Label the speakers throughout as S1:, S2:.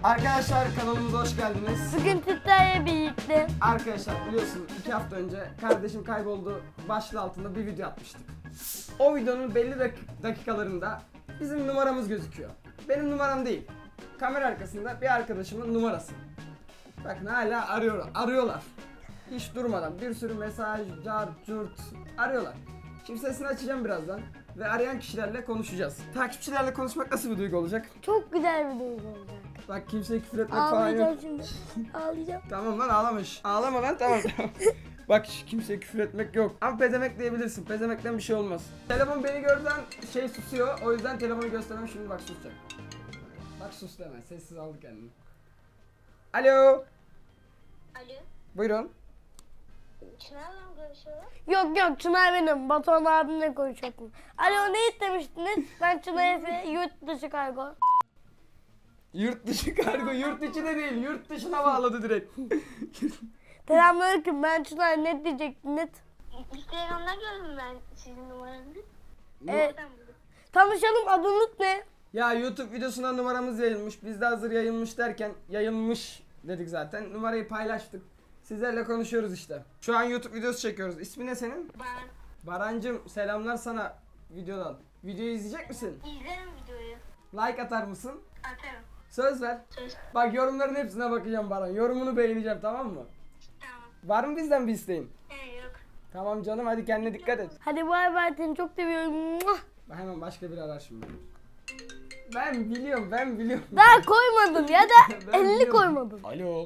S1: Arkadaşlar kanalımıza hoş geldiniz.
S2: Bugün sizlerle birlikte
S1: Arkadaşlar biliyorsunuz 2 hafta önce kardeşim kayboldu başlığı altında bir video atmıştık. O videonun belli dakikalarında bizim numaramız gözüküyor. Benim numaram değil. Kamera arkasında bir arkadaşımın numarası. Bakın hala arıyorlar. Hiç durmadan bir sürü mesaj, cart, arıyorlar. Şimdi sesini açacağım birazdan ve arayan kişilerle konuşacağız. Takipçilerle konuşmak nasıl bir duygu olacak?
S2: çok güzel bir duygu olacak.
S1: Bak kimseye küfür etmek falan yok.
S2: Ağlayacağım şimdi. Ağlayacağım.
S1: Tamam lan ağlamış. Ağlama lan tamam. Bak kimseye küfür etmek yok. Ama pezemek diyebilirsin. Pezemekten bir şey olmaz. Telefon beni gördüğünden susuyor. O yüzden telefonu göstermem şimdi bak susacak. Bak sustu hemen. Sessiz aldı kendini. Alo.
S3: Alo,
S1: Buyurun.
S3: Çınar'la mı görüşüyorlar?
S2: Yok Çınar benim. Batuhan abimle konuşacaktım. Alo ne istemiştiniz? Ben Çınar Efe yurt dışı kargo.
S1: Yurt dışı kargo. Yurt içi de değil. Yurt dışına bağladı direkt.
S2: Selamünaleyküm ben Çınar ne diyecektiniz?
S3: Instagram'dan gördüm ben sizin numaranızı.
S2: Evet.
S3: Oradan buldum.
S2: Tanışalım adınız ne?
S1: Ya YouTube videosuna numaramız yayılmış. Biz de hazır yayılmış derken yayılmış dedik zaten. Numarayı paylaştık. Sizlerle konuşuyoruz işte. Şu an YouTube videosu çekiyoruz. İsmi ne senin?
S3: Ben
S1: Barancım selamlar sana videodan. Videoyu izleyecek misin?
S3: izlerim videoyu.
S1: Like atar mısın?
S3: Atarım.
S1: Söz ver.
S3: Söz.
S1: Bak yorumların hepsine bakacağım Baran. Yorumunu beğeneceğim tamam mı?
S3: Tamam.
S1: Var mı bizden bir isteğin?
S3: Yok.
S1: Tamam canım hadi kendine dikkat et.
S2: Hadi bay bay seni çok seviyorum. Muah!
S1: Bak hemen başka biri arar şimdi. Ben biliyorum.
S2: Daha koymadın ya da
S1: Ben
S2: 50
S1: biliyorum.
S2: koymadın.
S1: Alo.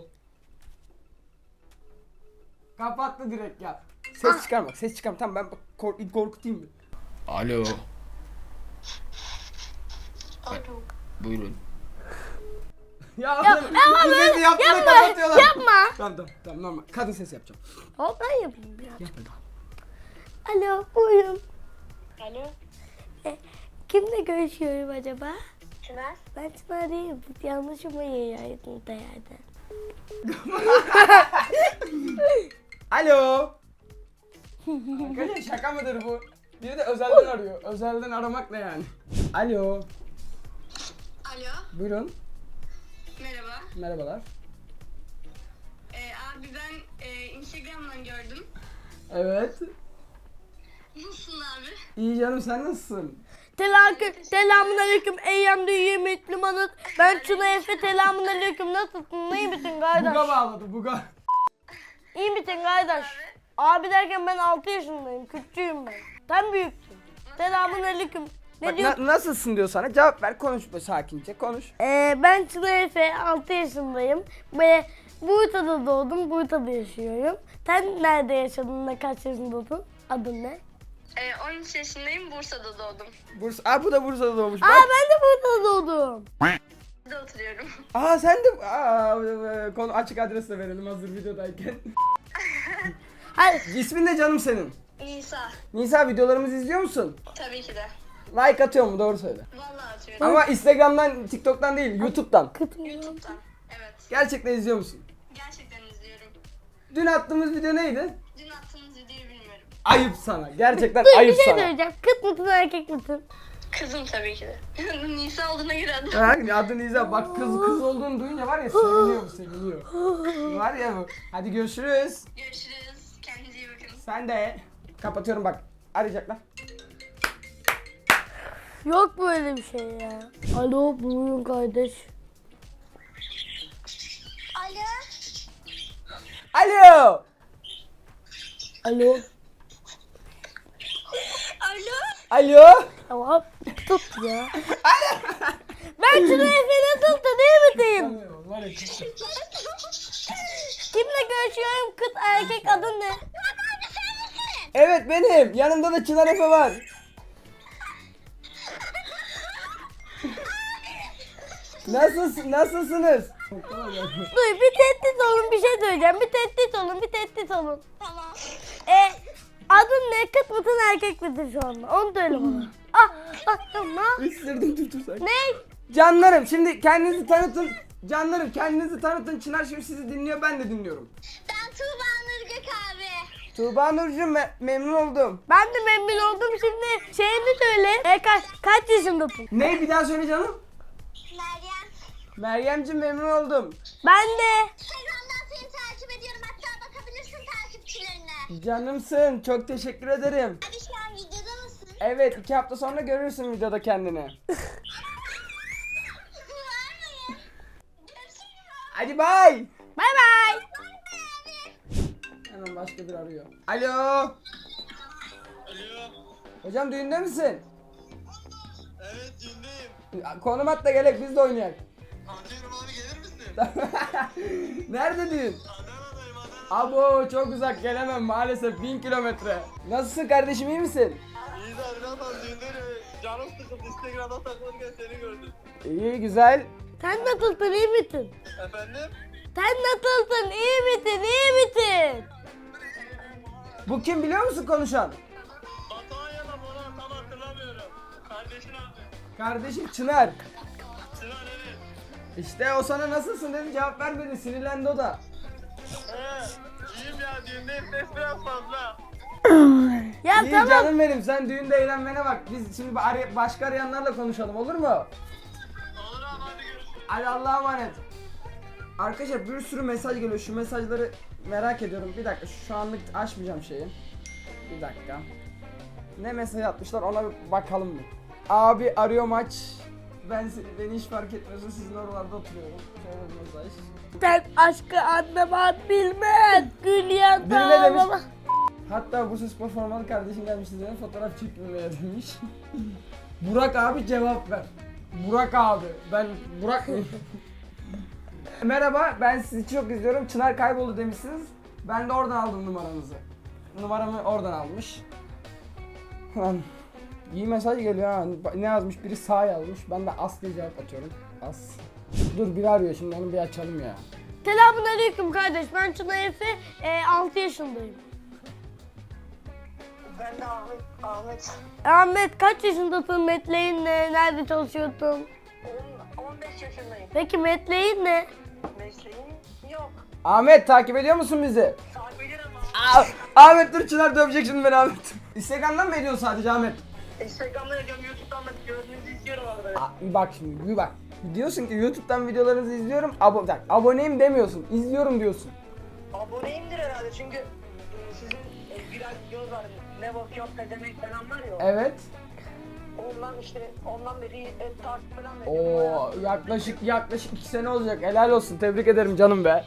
S1: Kapattı direkt ya. Ses çıkarma. Tamam ben korkutayım bir. Alo.
S3: Alo.
S1: Buyurun. Ya,
S2: Ama
S1: bu sesi yaptığında
S2: yapma,
S1: kapatıyorlar.
S2: yapma.
S1: Tamam normal. Kadın sesi yapacağım.
S2: Hop ben yapayım biraz.
S1: Yap hadi.
S2: Alo buyurun.
S3: Alo.
S2: Kimle görüşüyorum acaba?
S3: Çınar.
S2: Ben Çınar değilim. Yanlış numarayı yaydın da yerden.
S1: Alo. Arkadaşlar şaka mıdır bu? Biri de özelden arıyor. Özelden aramak ne yani? Alo.
S3: Alo.
S1: Buyurun.
S3: Merhaba.
S1: Merhabalar.
S3: Abi ben Instagram'dan gördüm.
S1: Evet.
S3: Nasılsın abi?
S1: İyi canım sen nasılsın?
S2: Selamun aleyküm eyyam düğümüt limanıt. Ben Çınar Efe selamun aleyküm nasılsın? İyi misin kardeş?
S1: Buga bağladı buga.
S2: İyi misin kardeş? Abi derken ben 6 yaşındayım. Küçüğüm ben. Sen büyüksün. Selamun aleyküm. Ne
S1: Bak,
S2: diyorsun?
S1: nasılsın diyor sana cevap ver konuş böyle sakince konuş.
S2: Ben Çınar Efe 6 yaşındayım. Ve Bursa'da doğdum. Bursa'da yaşıyorum. Sen nerede yaşadın? Ne kaç yaşındasın? Adın ne?
S3: 13 yaşındayım, Bursa'da doğdum.
S1: Bu da Bursa'da doğmuş.
S2: Aa
S1: Bak.
S2: ben de Bursa'da doğdum.
S3: Burada oturuyorum.
S1: Sen de konu açık adres de verelim hazır videodayken.
S2: Hadi.
S1: İsmin ne canım senin?
S3: Nisa.
S1: Nisa videolarımızı izliyor musun?
S3: Tabii ki de.
S1: Like atıyor mu doğru söyle.
S3: Vallahi atıyorum.
S1: Ama Instagram'dan, TikTok'tan değil, YouTube'dan.
S3: YouTube'dan. Evet.
S1: Gerçekten izliyor musun?
S3: Gerçekten izliyorum.
S1: Dün attığımız video neydi?
S3: Dün attığınız videoyu bilmiyorum.
S1: Ayıp sana. Gerçekten
S2: Dur bir
S1: ayıp
S2: şey
S1: sana.
S2: söyleyeceğim. Kız mısın erkek misin?
S3: Kızım tabii ki de. Nisa olduğuna göre adım.
S1: Ha, adın İza. Bak kız olduğunu duyunca var ya seviniyor. Var ya bu. Hadi görüşürüz.
S3: Görüşürüz. Kendinize iyi bakın.
S1: Sen de. Kapatıyorum bak. Arayacaklar.
S2: Yok böyle bir şey ya. Alo buyurun kardeş.
S3: Alo.
S1: Alo.
S2: Alo.
S3: Alo.
S1: Alo.
S2: Tamam tut ya. Ben Çınar Efe nasılsın iyi misin?
S1: Var ya,
S2: Kimle görüşüyorum kız erkek adın ne?
S1: evet benim. Yanımda da Çınar Efe var. Nasılsınız?
S2: Dur bir tehdit olun bir şey söyleyeceğim. Bir tehdit olun.
S3: Tamam.
S2: Adın ne kız mısın erkek misin şu anda? Onu söyle bana. Tamam.
S1: Isırdım dur sen.
S2: Ne?
S1: Canlarım şimdi kendinizi tanıtın. Canlarım kendinizi tanıtın. Çınar şimdi sizi dinliyor ben de dinliyorum.
S3: Ben Tuğba Nurgök abi.
S1: Tuğba Nurcuğum memnun oldum.
S2: Ben de memnun oldum şimdi. Şeyini söyle. Kaç yaşındasın?
S1: Ne bir daha söyle canım.
S3: Meryem.
S1: Meryemciğim memnun oldum.
S2: Ben de.
S3: Instagram'dan seni takip ediyorum. Hatta bakabilirsin takipçilerine.
S1: Canımsın. Çok teşekkür ederim.
S3: Hadi şu an videoda mısın?
S1: Evet 2 hafta sonra görürsün videoda kendini.
S3: Var mıyım? Görüşürüz.
S1: Hadi bay.
S2: Bay bay.
S1: Hemen başka biri arıyor. Alo.
S4: Alo.
S1: Hocam düğünde misin?
S4: Evet düğündeyim.
S1: Konum at da gelek biz de oynayak.
S4: Atıyorum abi gelir misin?
S1: Nerede düğün?
S4: Adana'dayım Adana.
S1: Abo çok uzak gelemem maalesef 1000 kilometre. Nasılsın kardeşim iyi misin?
S4: İyi de abi ne yapalım düğünde canım sıkıldı Instagram'da takılırken seni gördüm.
S1: İyi güzel.
S2: Sen nasılsın, iyi misin?
S4: Efendim?
S2: Sen nasılsın, iyi misin, iyi misin?
S1: Bu kim biliyor musun konuşan?
S4: Batuhan ya da Boran tam hatırlamıyorum. Kardeşin abi.
S1: Kardeşim Çınar.
S4: Sinan evet.
S1: İşte o sana nasılsın dedi cevap vermedi sinirlendi o da.
S4: İyiyim ya düğündeyim ses biraz fazla.
S2: Ya
S1: İyi
S2: tamam.
S1: canım benim sen düğünde eğlenmene bak. Biz şimdi başka arayanlarla konuşalım olur mu?
S4: Olur abi hadi görüşürüz.
S1: Hadi Allah'a emanet. Arkadaşlar bir sürü mesaj geliyor. Şu mesajları merak ediyorum. Bir dakika şu anlık açmayacağım şeyi. Bir dakika. Ne mesaj atmışlar ona bir bakalım mı? Abi arıyor maç. Beni hiç fark etmiyorsun sizin oralarda oturuyorum. Şöyle bir mesaj.
S2: Sen aşkı anlaman bilmez. Gül
S1: Biri ne demiş?
S2: yandı.
S1: Hatta bu spor formalı kardeşim gelmiş size fotoğraf çekilmeye demiş. Burak abi cevap ver. Burak abi. Ben Burak mıyım? Merhaba ben sizi çok izliyorum. Çınar kayboldu demişsiniz. Ben de oradan aldım numaranızı. Numaramı oradan almış. Lan iyi mesaj geliyor ha. Ne yazmış? Biri sağ yazmış. Ben de as diye cevap atıyorum. As. Dur biri arıyor şimdi onu bir açalım ya.
S2: Selamünaleyküm kardeş. Ben Çınar Efe. 6 yaşındayım.
S3: Ben de Ahmet.
S2: Ahmet kaç yaşındasın? Mesleğin ne? Nerede çalışıyorsun?
S3: 15 yaşındayım.
S2: Peki mesleğin ne?
S3: Mesleğim yok.
S1: Ahmet takip ediyor musun bizi?
S3: Takip ederim
S1: Ahmet dur Çınar dövecek şimdi beni Ahmet. Instagram'dan mı ediyorsun sadece Ahmet?
S3: Instagram'da yapıyorum, YouTube'dan da gördüğünüzü izliyorum arada.
S1: Bak şimdi bir bak. Diyorsun ki YouTube'dan videolarınızı izliyorum. Aboneyim demiyorsun. İzliyorum diyorsun.
S3: Aboneyimdir herhalde çünkü sizin viral videonuz var. Ne bakıyor pezemek falan var ya.
S1: Evet.
S3: Ondan beri takip falan ediyorum.
S1: Oo yaklaşık 2 sene olacak. Helal olsun. Tebrik ederim canım be.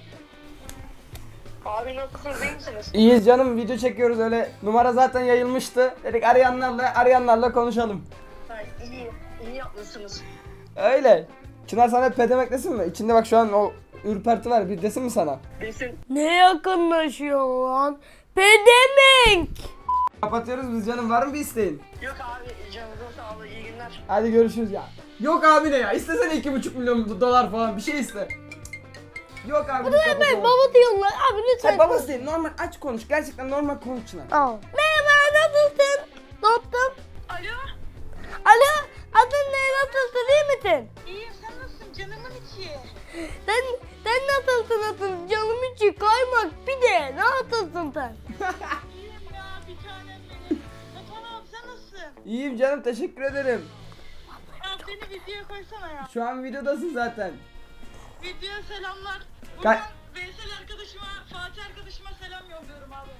S3: Abi nasılsınız, iyi misiniz?
S1: İyiyiz canım. Video çekiyoruz öyle. Numara zaten yayılmıştı. Dedik arayanlarla konuşalım.
S3: İyi yapmışsınız.
S1: Öyle. Çınar sana pedemek desin mi? İçinde bak şu an o ürperti var. Bir desin mi sana?
S3: Desin.
S2: Ne yakınlaşıyor lan? Pedemek.
S1: Kapatıyoruz biz canım. Var mı bir isteğin?
S3: Yok abi, canınızın sağlığı, iyi günler.
S1: Hadi görüşürüz ya. Yok abi ne ya? İstesene 2,5 milyon dolar falan bir şey iste. Yok abi.
S2: Ben baba diyorlar. Abi lütfen.
S1: Sen babası değil. Normal aç konuş. Gerçekten normal konuş Çınar.
S2: Al. Merhaba, nasılsın? Ne yaptın?
S3: Alo,
S2: Alo, adın ne? Nasılsın? İyi misin?
S3: iyiyim, sen nasılsın canımın içi?
S2: Sen nasılsın? Canım içi kaymak bir de. Nasılsın sen?
S3: İyiyim ya, bir tanem benim. Tamam, sen nasılsın?
S1: İyiyim canım teşekkür ederim.
S3: Abi beni videoya koysana ya.
S1: Şu an videodasın zaten.
S3: Videoya selamlar.
S1: Ka-
S3: Buradan Veysel arkadaşıma, Fatih arkadaşıma selam yolluyorum abi.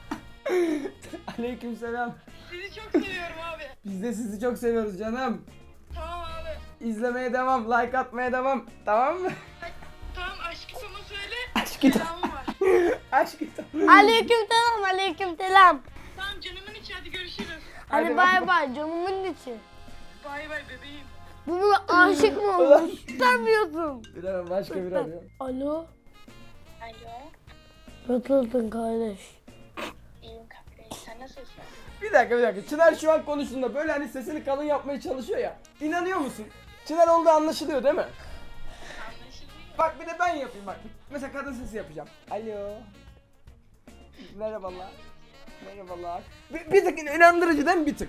S1: Aleykümselam.
S3: Sizi çok seviyorum abi.
S1: Biz de sizi çok seviyoruz canım.
S3: Tamam abi.
S1: İzlemeye devam, like atmaya devam. Tamam mı?
S3: Tamam, aşkı sana söyle.
S1: Aşkı
S3: Selamım var.
S1: Aşk
S2: Aleykümselam, aleykümselam.
S3: Tamam canımın içi, hadi görüşürüz.
S1: Hadi
S2: Hadi
S1: bay
S2: bay bay canımın içi.
S3: Bay bay bebeğim.
S2: Bu buna aşık mı olmuş? Sanmıyorsun.
S1: Bilemem başka biri arıyor.
S2: Alo.
S3: Alo.
S2: Nasılsın kardeş?
S3: İyiyim kardeş, sen nasılsın?
S1: Bir dakika. Çınar şu an konuştuğunda böyle hani sesini kalın yapmaya çalışıyor ya. İnanıyor musun? Çınar olduğu anlaşılıyor değil mi?
S3: Anlaşılıyor.
S1: Bak bir de ben yapayım bak. Mesela kadın sesi yapacağım. Alo. Merhabalar. Merhabalar. Bir tık inandırıcı değil mi bir tık?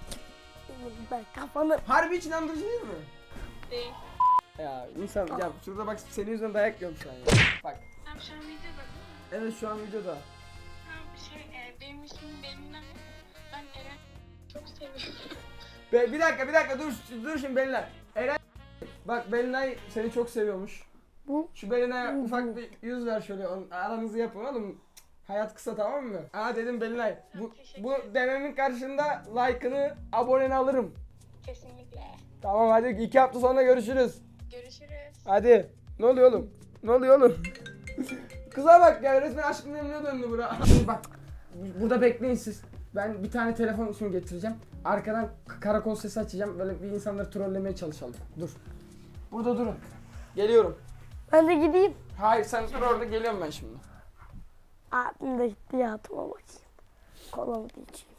S2: Ben kafanı...
S1: Harbi hiç inandırıcı değil mi?
S3: Değil.
S1: Ya insan ya şurada bak senin yüzünden dayak yiyorum şu an ya. Bak.
S3: Tamam, şu an videoda değil mi?
S1: Evet şu an videoda.
S3: Tamam, benim ismim Belinay. Ben Eren çok seviyorum.
S1: Bir dakika dur şimdi beyler. Eren Bak Belinay seni çok seviyormuş.
S2: Bu
S1: Şu Belinay'a ufak bir yüz ver şöyle. Aranızı yapın oğlum. Hayat kısa, tamam mı? Aa dedim Belinay. Bu dememin karşında like'ını, aboneni alırım.
S5: Kesinlikle.
S1: Tamam hadi 2 hafta sonra görüşürüz.
S5: Görüşürüz.
S1: Hadi. Ne oluyor oğlum? Ne oluyor oğlum? Kıza bak ya, resmen Aşk-ı Memnu'ya döndü bura. Şimdi bak, burada bekleyin siz. Ben bir tane telefon şimdi getireceğim. Arkadan karakol sesi açacağım. Böyle bir insanları trollemeye çalışalım. Dur. Burada durun. Geliyorum.
S2: ben de gideyim.
S1: Hayır sen dur orada, geliyorum ben şimdi.
S2: Abim de gitti yatıma bakayım. Kolamı da içeyim.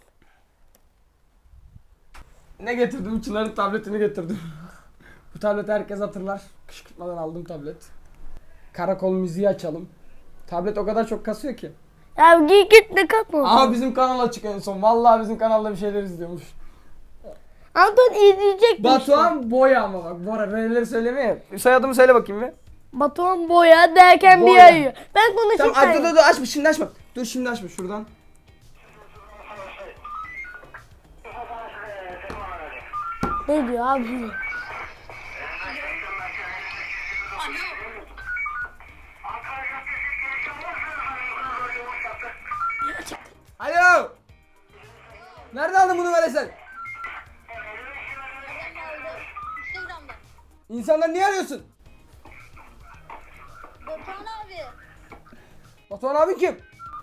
S1: Ne getirdim? Çınar'ın tabletini getirdim. Bu tableti herkes hatırlar. Kışkırtmadan aldım tablet. Karakol müziği açalım. Tablet o kadar çok kasıyor ki.
S2: Ya git ne katma.
S1: Aa bizim kanal açık en son. Vallahi bizim kanalda bir şeyler izliyormuş.
S2: Anton izleyecek
S1: Batuhan Boya ama bak. Bora R'leri söylemeye. Soyadımı söyle bakayım bir.
S2: Batuhan Boya derken
S1: Boya.
S2: bir ayıyor. Ben konuşayım.
S1: Tamam
S2: sen-
S1: dur açma, şimdi açma. Dur şimdi açma şuradan.
S2: Ne diyor abi?
S1: Alo. Nerede aldın bunu böyle sen?
S5: Instagram'da.
S1: İnsanları niye arıyorsun?
S5: Batuhan abi.
S1: Batuhan abi kim?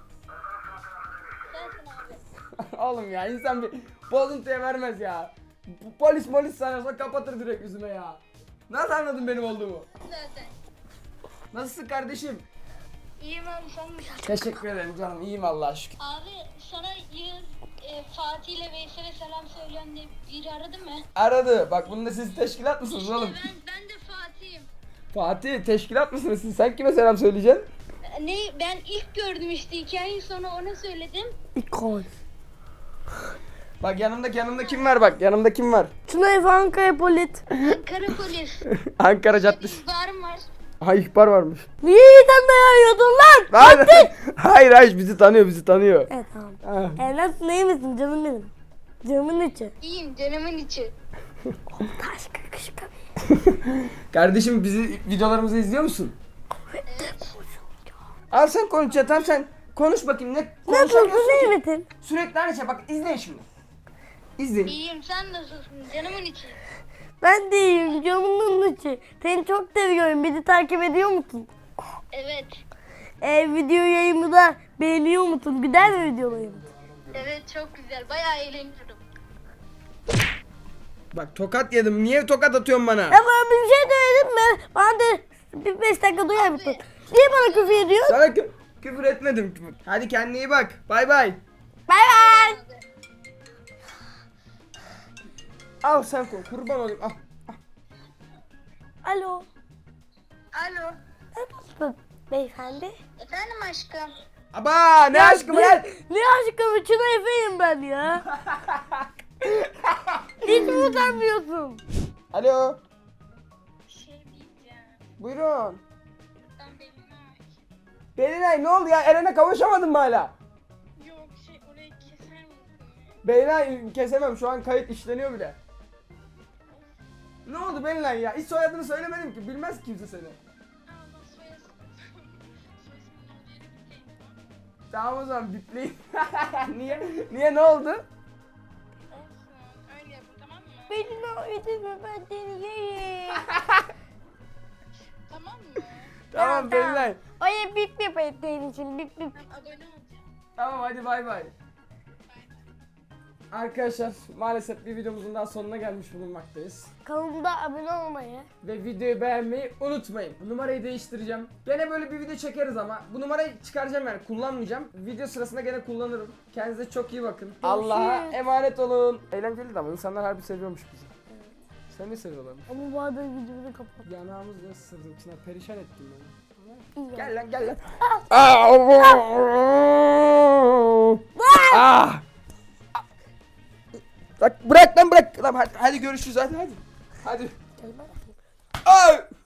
S5: Sensin abi.
S1: Oğlum ya, insan bir bozuntuya vermez ya. Polis sanıyorsa kapatır direkt yüzüme ya. Nasıl anladın benim olduğumu?
S5: Zaten.
S1: Nasılsın kardeşim?
S5: İyiyim abi sen nasılsın?
S1: Teşekkür ederim canım, iyiyim Allah'a şükür.
S5: Abi sana Yağız, Fatih ile Veysel'e selam söyleyen diye biri aradı mı?
S1: Aradı. Bak bunda siz teşkilat mısınız oğlum?
S5: Ben de Fatih'im.
S1: Fatih teşkilat mısınız siz? Sen kime selam söyleyeceksin?
S5: Ne ben ilk gördüm işte 2 ay sonra ona söyledim.
S2: İkon.
S1: Bak yanımda kim var bak? Yanımda kim var?
S2: Tuna Efe Ankara Polit.
S5: Kara polis.
S1: Ankara Caddesi.
S5: İhbarım var.
S1: Ha, ihbar varmış.
S2: Niye sen dayanıyordun lan?
S1: Hayır bizi tanıyor.
S2: Evet tamam.
S1: Ha.
S2: Evlat neyi misin canım benim? Canımın içi.
S5: İyiyim canımın içi.
S2: Taş kışkı.
S1: Kardeşim bizi videolarımızı izliyor musun? Al sen konuş ya, tamam sen konuş bakayım, ne
S2: Nasılsın
S1: konuşamıyorsun
S2: iyi
S1: ki?
S2: misin?
S1: Sürekli aynı şey, bak izleyin şimdi. İzleyin.
S5: İyiyim sen nasılsın canımın içi.
S2: Ben de iyiyim canımın içi. Seni çok seviyorum. Bizi takip ediyor musun?
S5: Evet.
S2: Video yayımı da beğeniyor musun? Gider mi videolarımı?
S5: Evet çok güzel bayağı eğleniyorum.
S1: Bak tokat yedim, niye tokat atıyorsun bana?
S2: Ya bana bir şey söyledin mi? Bana de bir 5 dakika duyar mısın? Niye bana küfür ediyorsun?
S1: Sana küfür etmedim. Hadi kendine iyi bak, bay bay.
S2: Bay bay.
S1: Al sen kurban olayım, al.
S2: Alo.
S5: Alo.
S2: Nasılsın beyefendi?
S5: Efendim aşkım.
S1: Aba ne aşkım lan?
S2: Ne aşkım? Çınar Efe'yim ben ya. Hiç mi utanmıyorsun?
S1: Alo,
S5: Bir şey diyeceğim.
S1: buyurun.
S5: Ben Belinay.
S1: Belinay ne oldu ya, Eren'e kavuşamadın mı hala?
S5: Yok orayı keser misin?
S1: Belinay kesemem, şu an kayıt işleniyor bile. Ne oldu Belinay ya? Hiç soyadını söylemedim ki, bilmez kimse seni.
S5: Allah soyasın. Soyasın olduğu yere biteyim.
S1: Tamam o zaman bipleyin. Niye ne oldu?
S5: Olsun. Öyle yapın tamam mı?
S2: Beni ödeme ben seni yerim.
S5: Tamam mı?
S1: Tamam Belinay.
S2: Oya bip yapayım senin için bip bip.
S5: Ben abone olacağım.
S1: Tamam hadi bay bay. Arkadaşlar maalesef bir videomuzun daha sonuna gelmiş bulunmaktayız.
S2: Kanalımda abone olmayı.
S1: Ve videoyu beğenmeyi unutmayın. Bu numarayı değiştireceğim. Gene böyle bir video çekeriz ama bu numarayı çıkaracağım, yani kullanmayacağım. Video sırasında gene kullanırım. Kendinize çok iyi bakın. Allah'a emanet olun. Eğlenceli de ama insanlar harbi seviyormuş bizi. Sen ne seviyorlarmış?
S2: Ama bu arada videomu kapat.
S1: Yanağımız ne ısırdın içine, perişan ettin beni.
S2: İyi
S1: Gel lan gel lan. Ah! Bırak lan bırak. Lan hadi görüşürüz hadi. Hadi.
S2: Gel bana.
S1: Ay!